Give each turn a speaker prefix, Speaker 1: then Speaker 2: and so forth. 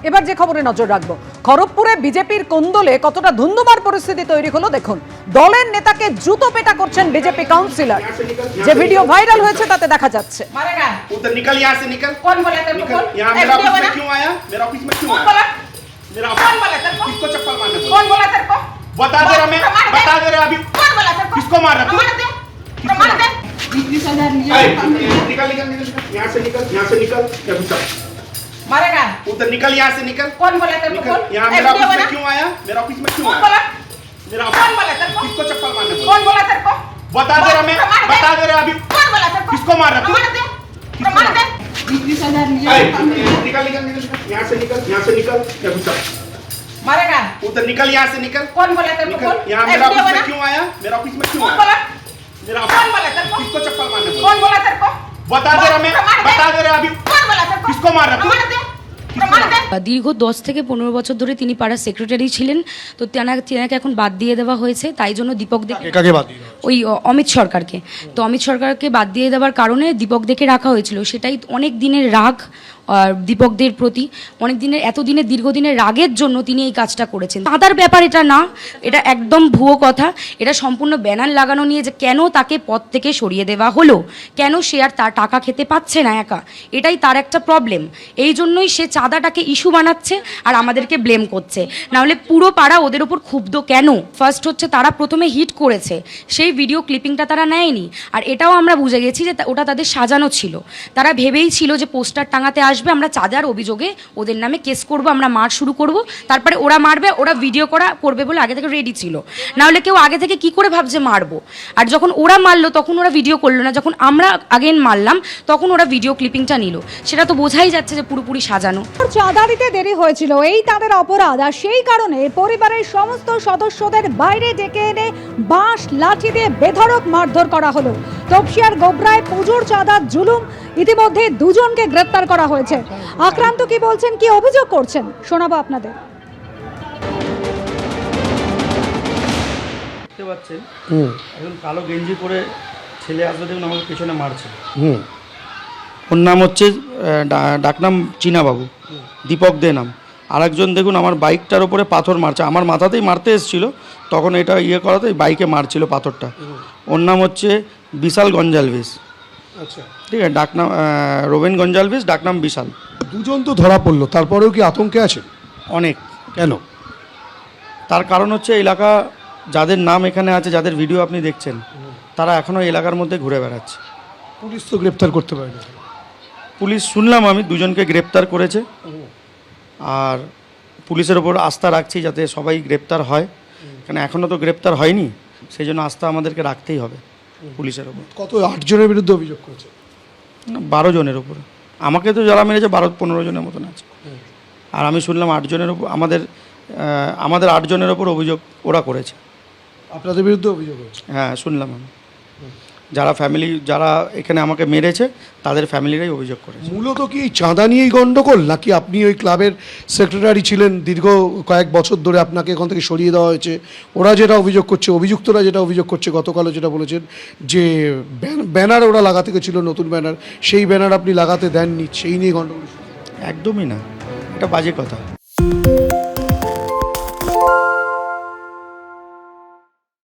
Speaker 1: এবার যে খবরে নজর রাখবো, খড়গপুরে বিজেপির কোন্দলে কতটা ধুন্ধুমার পরিস্থিতি তৈরি হলো দেখুন। দলের নেতাকে জুতো পেটা করছেন বিজেপি কাউন্সিলর, যে ভিডিও ভাইরাল হয়েছে তাতে দেখা যাচ্ছে।
Speaker 2: उधर निकल यहाँ से निकल।
Speaker 3: कौन बोला तेरे को?
Speaker 2: निकल यहाँ मेरा ऑफिस में क्यों आया? मेरा ऑफिस में क्यों
Speaker 3: कौन
Speaker 2: आया?
Speaker 3: बोला?
Speaker 2: मेरा
Speaker 3: कौन बोला तेरे को?
Speaker 2: किसको चप्पल मारने बोला?
Speaker 3: कौन बोला तेरे को?
Speaker 2: बता दे रहा मैं, बता दे रहा अभी।
Speaker 3: कौन बोला तेरे को?
Speaker 2: किसको मार रहा तू?
Speaker 3: प्रमाण दे, प्रमाण दे। 20,000 लिया।
Speaker 2: निकल निकल निकल यहाँ से निकल, यहाँ से निकल। क्या घुसा?
Speaker 3: मारेगा।
Speaker 2: उधर निकल यहाँ से निकल।
Speaker 3: कौन बोला तेरे को?
Speaker 2: निकल यहाँ मेरा ऑफिस में क्यों आया? मेरा ऑफिस में क्यों
Speaker 3: कौन
Speaker 2: आया?
Speaker 3: बोला?
Speaker 2: मेरा
Speaker 3: कौन बोला तेरे को?
Speaker 2: किसको चप्पल मारने बोला?
Speaker 3: कौन बोला तेरे को?
Speaker 2: बता दे रहा मैं, बता दे रहा अभी।
Speaker 3: कौन बोला तेरे को?
Speaker 2: किसको मार रहा तू?
Speaker 3: प्रमाण दे, प्रमाण दे। 20,000 लिया।
Speaker 2: निकल निकल निकल यहाँ से निकल, यहाँ से निकल। क्या घुसा?
Speaker 3: मारेगा।
Speaker 2: उधर निकल यहाँ से निकल।
Speaker 3: कौन बोला तेरे को?
Speaker 2: निकल यहाँ मेरा ऑफिस में क्यों आया? मेरा ऑफिस में क्यों
Speaker 3: कौन
Speaker 2: आया?
Speaker 3: बोला?
Speaker 2: मेरा
Speaker 3: कौन बोला तेरे को?
Speaker 2: किसको चप्पल मारने बोला?
Speaker 3: कौन बोला तेरे को?
Speaker 2: बता दे रहा मैं, बता दे रहा अभी।
Speaker 3: कौन बोला तेरे को?
Speaker 2: किसको मार रहा तू?
Speaker 3: प्रमाण दे, प्रमाण दे।
Speaker 4: দীর্ঘ 10 থেকে 15 বছর ধরে তিনি পাড়ার সেক্রেটারি ছিলেন, তো তেনাকে এখন বাদ দিয়ে দেওয়া হয়েছে। তাই জন্য দীপক দে
Speaker 5: কাকে বাদ দিয়ে
Speaker 4: ওই অমিত সরকারকে, তো অমিত সরকারকে বাদ দিয়ে দেওয়ার কারণে দীপক দেকে রাখা হয়েছিল। সেটাই অনেক দিনের রাগ দীপকদের প্রতি, অনেক দিনের এতদিনের দীর্ঘদিনের রাগের জন্য তিনি এই কাজটা করেছেন। চাঁদার ব্যাপার এটা না, এটা একদম ভুয়ো কথা। এটা সম্পূর্ণ ব্যানার লাগানো নিয়ে যে কেন তাকে পদ থেকে সরিয়ে দেওয়া হলো, কেন সে আর তার টাকা খেতে পাচ্ছে না একা, এটাই তার একটা প্রবলেম। এই জন্যই সে চাঁদাটাকে ইস্যু বানাচ্ছে আর আমাদেরকে ব্লেম করছে। নাহলে পুরো পাড়া ওদের ওপর ক্ষুব্ধ কেন? ফার্স্ট হচ্ছে তারা প্রথমে হিট করেছে, সেই ভিডিও ক্লিপিংটা তারা নেয়নি। আর এটাও আমরা বুঝে গেছি যে ওটা তাদের সাজানো ছিল। তারা ভেবেই ছিল যে পোস্টার টাঙাতে আসবে, আমরা চাঁদার অভিযোগে ওদের নামে কেস করব, আমরা মার শুরু করব, তারপরে ওরা মারবে, ওরা ভিডিও করবে বলে আগে থেকে রেডি ছিল। নাহলে কেউ আগে থেকে কি করে ভাবছে মারবো? আর যখন ওরা মারলো তখন ওরা ভিডিও করলো না, যখন আমরা আগেন মারলাম তখন ওরা ভিডিও ক্লিপিংটা নিল। সেটা তো বোঝাই যাচ্ছে যে পুরোপুরি সাজানো।
Speaker 1: চাঁদা দিতে দেরি হয়েছিল, এই তাদের অপরাধ। আর সেই কারণে পরিবারের সমস্ত সদস্যদের বাইরে ডেকে এনে বাঁশ লাঠি দিয়ে বেধড়ক মারধর করা হলো। তপসিয়ার গোবরায় পুজোর চাঁদার জুলুম, ইতিমধ্যে দুজনকে গ্রেপ্তার করা হয়েছে। আক্রান্ত কি বলছেন, কি অভিযোগ করছেন, শোনাবো আপনাদের।
Speaker 6: দেখতে পাচ্ছেন একজন কালো গেঞ্জি পরে ছেলে আসবে, দেখুন আমাকে পেছনে মারছে। ওর নাম হচ্ছে ডাকনাম চীনাবাবু, দীপক দে নাম। আরেকজন দেখুন আমার বাইকটার ওপরে পাথর মারছে, আমার মাথাতেই মারতে এসেছিলো, তখন এটা করাতে বাইকে মারছিল পাথরটা। ওর নাম হচ্ছে বিশাল গঞ্জালভিস।
Speaker 5: আচ্ছা,
Speaker 6: ঠিক আছে, ডাকনাম রোবেন গঞ্জালভিস, ডাকনাম বিশাল।
Speaker 5: দুজন তো ধরা পড়লো, তারপরেও কি আতঙ্কে আছে?
Speaker 6: অনেক।
Speaker 5: কেন?
Speaker 6: তার কারণ হচ্ছে এলাকা যাদের নাম এখানে আছে, যাদের ভিডিও আপনি দেখছেন, তারা এখনও এলাকার মধ্যে ঘুরে বেড়াচ্ছে।
Speaker 5: পুলিশ তো গ্রেপ্তার করতে পারে না।
Speaker 6: পুলিশ শুনলাম আমি দুজনকে গ্রেপ্তার করেছে, আর পুলিশের ওপর আস্থা রাখছি যাতে সবাই গ্রেপ্তার হয়, কারণ এখনও তো গ্রেপ্তার হয়নি, সেই জন্য আস্থা আমাদেরকে রাখতেই হবে পুলিশের ওপর।
Speaker 5: কত 8 জনের বিরুদ্ধে অভিযোগ করেছে?
Speaker 6: 12 জনের ওপরে। আমাকে তো যারা মেরেছে 12-15 জনের মতন আছে, আর আমি শুনলাম 8 জনের ওপর, আমাদের 8 জনের ওপর অভিযোগ ওরা করেছে।
Speaker 5: আপনাদের বিরুদ্ধে অভিযোগ হয়েছে?
Speaker 6: হ্যাঁ শুনলাম আমি। যারা এখানে আমাকে মেরেছে তাদের ফ্যামিলিরাই অভিযোগ করেছে।
Speaker 5: মূলত কি এই চাঁদা নিয়েই গন্ডগোল, নাকি আপনি ওই ক্লাবের সেক্রেটারি ছিলেন দীর্ঘ কয়েক বছর ধরে, আপনাকে এখান থেকে সরিয়ে দেওয়া হয়েছে? ওরা যেটা অভিযোগ করছে, অভিযুক্তরা যেটা অভিযোগ করছে, গতকালও যেটা বলেছেন যে ব্যানার ওরা লাগাতে গেছিল, নতুন ব্যানার, সেই ব্যানার আপনি লাগাতে দেননি, সেই নিয়ে গন্ডগোল?
Speaker 6: একদমই না, এটা বাজে কথা।